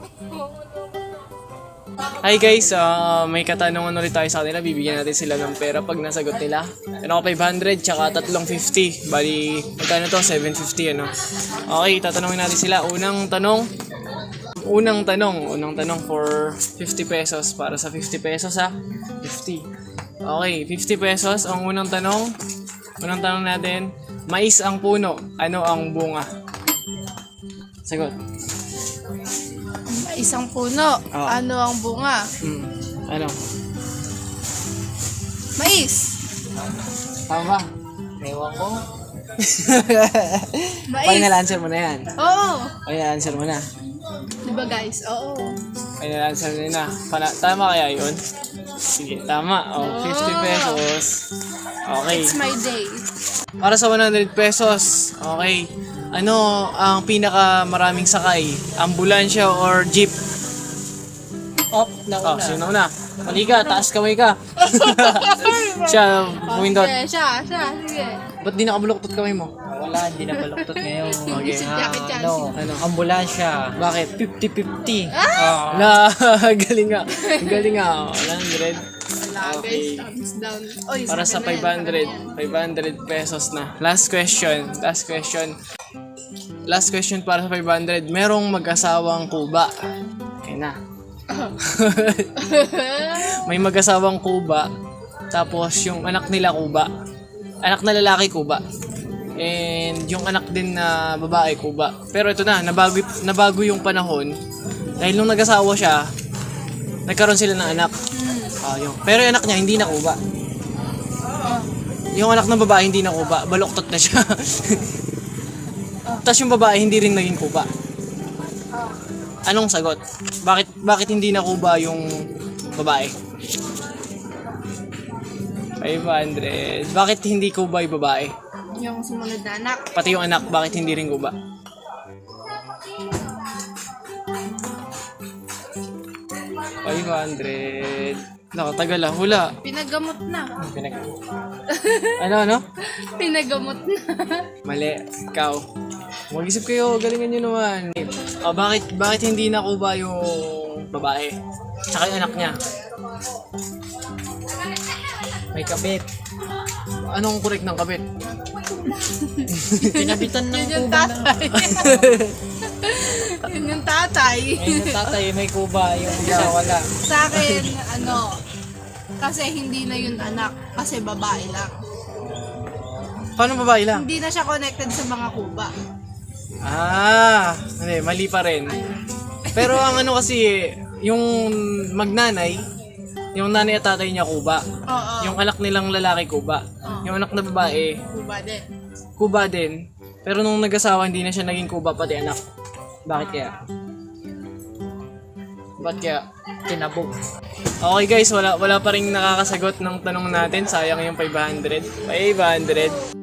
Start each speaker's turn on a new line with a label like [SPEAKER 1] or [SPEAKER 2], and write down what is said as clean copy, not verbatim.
[SPEAKER 1] Hi guys, may katanungan ulit tayo sa kanila. Bibigyan natin sila ng pera pag nasagot nila. Ano ko 500 tsaka 350. Bali, magkano to? 750 ano. Okay, tatanungin natin sila. Unang tanong for 50 pesos. Para sa 50 pesos ha. 50. Okay, 50 pesos. Ang unang tanong natin, mais ang puno. Ano ang bunga? Sagot.
[SPEAKER 2] Isang puno.
[SPEAKER 1] Oh.
[SPEAKER 2] Ano ang bunga?
[SPEAKER 1] Ano?
[SPEAKER 2] Mais.
[SPEAKER 1] Tama ba? Ewan ko.
[SPEAKER 2] Mais.
[SPEAKER 1] Final answer mo na yan.
[SPEAKER 2] Oo.
[SPEAKER 1] Final answer mo na.
[SPEAKER 2] Diba guys? Oo.
[SPEAKER 1] Final answer mo na. Tama kaya yun? Sige, tama. Oh, 50 pesos. Okay.
[SPEAKER 2] It's my day.
[SPEAKER 1] Para sa 100 pesos, okay. Ano ang pinaka maraming sakay? Ambulansya or jeep?
[SPEAKER 3] Up,
[SPEAKER 1] Oh, sino na? Mali ka, taas kamay ka. Siya, pumindot.
[SPEAKER 2] Sige, siya. Sige.
[SPEAKER 1] Ba't di nakabuloktot kamay mo?
[SPEAKER 3] wala, hindi na baluktot ngayon.
[SPEAKER 1] Okay.
[SPEAKER 2] Jacket yan.
[SPEAKER 3] Ano, ambulansya.
[SPEAKER 1] Bakit?
[SPEAKER 3] 50-50.
[SPEAKER 1] Na, galing nga. Galing nga. 100.
[SPEAKER 2] Wala guys. Thumbs down. Oy,
[SPEAKER 1] Para sa
[SPEAKER 2] akin na yan.
[SPEAKER 1] 500 pesos na. Last question para sa 500. Merong mag-asawang kuba. Okay na. May mag-asawang kuba. Tapos yung anak nila kuba. Anak na lalaki kuba. And yung anak din na babae kuba. Pero ito na, nabago yung panahon. Dahil nung nag-asawa siya, nagkaroon sila ng anak. Pero yung anak niya hindi na kuba. Yung anak ng babae hindi na kuba, baluktot na siya. Tapos yung babae hindi rin naging kuba. Anong sagot? Bakit hindi na kuba yung babae? 500. Bakit hindi kuba yung babae?
[SPEAKER 2] Yung sumunod na anak.
[SPEAKER 1] Pati yung anak, bakit hindi rin kuba? $500. Nakatagal ah, hula.
[SPEAKER 2] Pinagamot na.
[SPEAKER 1] Ano?
[SPEAKER 2] Pinagamot na.
[SPEAKER 1] Mali, ikaw. Mag-isip kayo, galingan nyo naman. Bakit hindi nakuba yung babae? Tsaka yung anak niya.
[SPEAKER 3] May kabit.
[SPEAKER 1] Anong correct ng kabit?
[SPEAKER 3] Pinabitan ng
[SPEAKER 2] Yun yung
[SPEAKER 3] kuba na.
[SPEAKER 2] tatay. Yun yung tatay.
[SPEAKER 3] Ayun yung tatay, may kuba. Yung isa wala.
[SPEAKER 2] Sa akin, kasi hindi na yun anak. Kasi babae lang.
[SPEAKER 1] Paano babae lang?
[SPEAKER 2] Hindi na siya connected sa mga kuba.
[SPEAKER 1] Hindi, mali pa rin. Pero ang ano kasi, yung magnanay, yung nanay at tatay niya kuba.
[SPEAKER 2] Oo.
[SPEAKER 1] Yung anak nilang lalaki kuba. Yung anak na babae,
[SPEAKER 2] Kuba din.
[SPEAKER 1] kuba din. Pero nung nag-asawa, hindi na siya naging kuba pati anak. Bakit kaya? Ba't kaya?
[SPEAKER 3] Tinabog.
[SPEAKER 1] Okay guys, wala pa rin nakakasagot ng tanong natin. Sayang yung 500. 500.